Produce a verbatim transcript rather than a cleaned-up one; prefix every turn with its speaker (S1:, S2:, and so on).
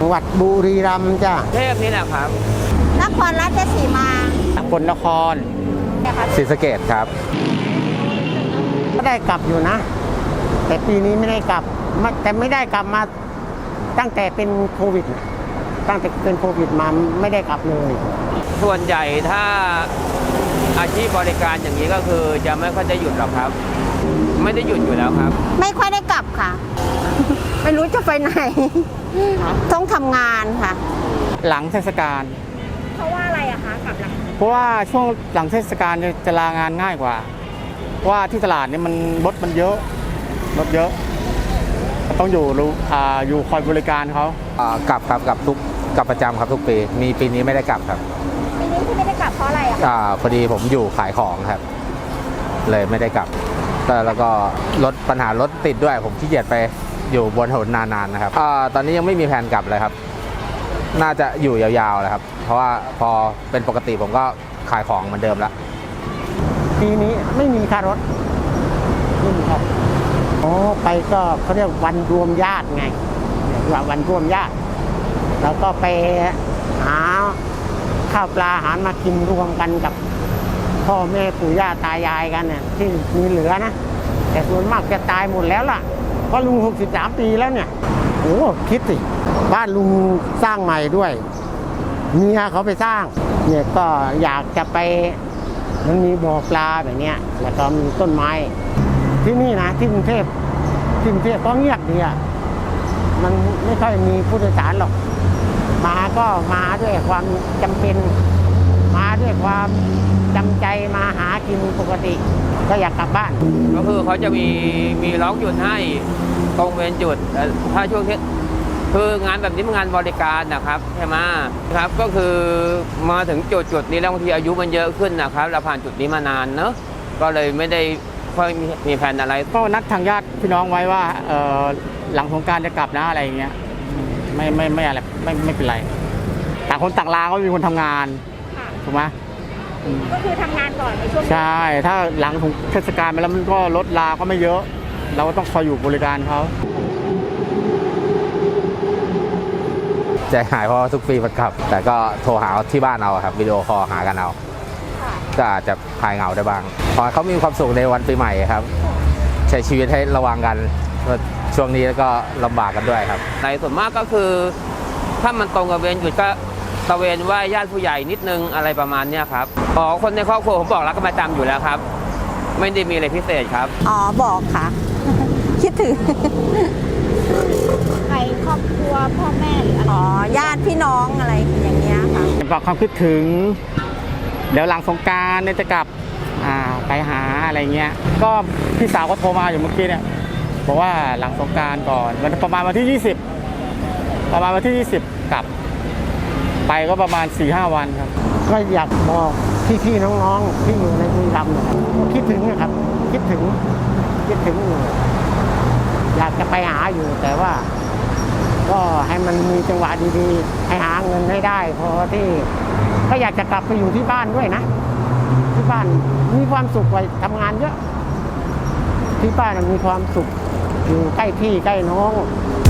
S1: จังหวัดบุรีรัมย์จ้ะ
S2: เทพนี่แหละครับ
S3: นครราชสีมา
S4: สกลนครศรีสะเกษครับ
S1: ก็ได้กลับอยู่นะแต่ปีนี้ไม่ได้กลับแต่ไม่ได้กลับมาตั้งแต่เป็นโควิดตั้งแต่เป็นโควิดมาไม่ได้กลับเลย
S2: ส่วนใหญ่ถ้าอาชีพบริการอย่างนี้ก็คือจะไม่ค่อยได้หยุดหรอกครับไม่ได้หยุดอยู่แล้วครับ
S3: ไม่ค่อยได้กลับค่ะ ไม่รู้จะไปไหนต้องทำงานค่ะ
S4: หลังเทศกาล
S3: เพราะว่าอะไรอะคะกลับหลัง
S4: เพราะว่าช่วงหลังเทศกาลจะลางานง่ายกว่าเพราะว่าที่ตลาดนี่มันรถมันเยอะรถเยอะต้องอยู่รู้อ่าอยู่คอยบริการเขา
S5: กลับครับกลับทุกกลับประจำครับทุกปีมีปีนี้ไม่ได้กลับครับ
S3: ปีนี้ที่ไม่ได้กลับเพราะอะไรอะ
S5: อ่าพอดีผมอยู่ขายของครับเลยไม่ได้กลับแต่แล้วก็รถปัญหารถติดด้วยผมขี้เกียจไปอยู่บนถนนนานๆนะครับอ่าตอนนี้ยังไม่มีแผนกลับเลยครับน่าจะอยู่ยาวๆเลยครับเพราะว่าพอเป็นปกติผมก็ขายของเหมือนเดิมแล้ว
S1: ปีนี้ไม่มีค่ารถไม่มีครับอ๋อไปก็เขาเรียกวันรวมญาติไงว่าวันรวมญาติแล้วก็ไปหาข้าวปลาอาหารมากินรวมกันกับพ่อแม่ปู่ย่าตายายกันเนี่ยที่มีเหลือนะแต่ส่วนมากจะตายหมดแล้วล่ะเพราะลุงหกสิบสามปีแล้วเนี่ยโอ้คิดสิบ้านลุงสร้างใหม่ด้วยเมียเขาไปสร้างเนี่ยก็อยากจะไปมันมีบ่อปลาแบบเนี้ยแล้วก็มีต้นไม้ที่นี่นะที่กรุงเทพที่กรุงเทพก็เงียบดีอ่ะมันไม่ค่อยมีผู้โดยสารหรอกมาก็มาด้วยความจำเป็นมาด้วยความจำใจมาหากินปกติก็อยากกลับบ้าน
S2: ก็คือเขาจะมีมีล็อกหยุดให้ตรงเวรจุดถ้าช่วงที่คืองานแบบนี้มันงานบริการนะครับใช่ไหมครับก็คือมาถึงจุดจุดนี้แล้วบางทีอายุมันเยอะขึ้นนะครับเราผ่านจุดนี้มานานเนอะก็เลยไม่ได้ค่อยมีแผนอะไร
S4: ก็นัดทางญาติพี่น้องไว้ว่าหลังสงกรานต์จะกลับนะอะไรอย่างเงี้ยไม่ไม่ไม่อะไรไม่ไม่เป็นไรต่างคนต่างลาก็มีคนทำงานถูกไหม
S3: ก็คือทำงานก่อนในช่วง
S4: ใช่ถ้าหลังเทศกาลไปแล้วมันก็ลดลาก็ไม่เยอะเราก็ต้องคอยอยู่บริการเขา
S5: ใจหายเพราะทุกปีมันกลับแต่ก็โทรหาที่บ้านเอาครับวิดีโอคอลหากันเอาก็อาจจะคลายเหงาได้บ้างพอเขามีความสุขในวันปีใหม่ครับใช้ชีวิตให้ระวังกันช่วงนี้แล้วก็ลำบากกันด้วยครับ
S2: ในส่วนมากก็คือถ้ามันตรงกับเวรหยุดก็ตะเวนไหว้ญาติผู้ใหญ่นิดนึงอะไรประมาณนี้ครับอ๋อคนในครอบครัวผมบอกรักกันประจำอยู่แล้วครับไม่ได้มีอะไรพิเศษครับ
S3: อ๋อบอกค่ะ คิดถึงใครครอบครัวพ่อแม่หรืออ๋อญาติพี่น้องอะไรอย่างเงี้ยค่ะ
S4: บอกความคิดถึงเดี๋ยวหลังสงกรานต์เนี่ยจะกลับไปหาอะไรเงี้ยก็พี่สาวก็โทรมาอยู่เมื่อกี้เนี่ยบอกว่าหลังสงกรานต์ก่อนวันประมาณวันที่ยี่สิบประมาณวันที่ยี่สิบกลับไปก็ประมาณ สี่ห้า วันครับ
S1: ก็อยากบอกพี่ๆน้องๆที่อยู่ในบุรีรัมย์นะครับคิดถึงนะครับคิดถึงคิดถึงอยากจะไปหาอยู่แต่ว่าก็ให้มันมีจังหวะดีๆให้หาเงินให้ได้พอที่ก็อยากจะกลับไปอยู่ที่บ้านด้วยนะที่บ้านมีความสุขกว่าทำงานเยอะที่บ้านมีความสุขอยู่ใกล้พี่ใกล้น้อง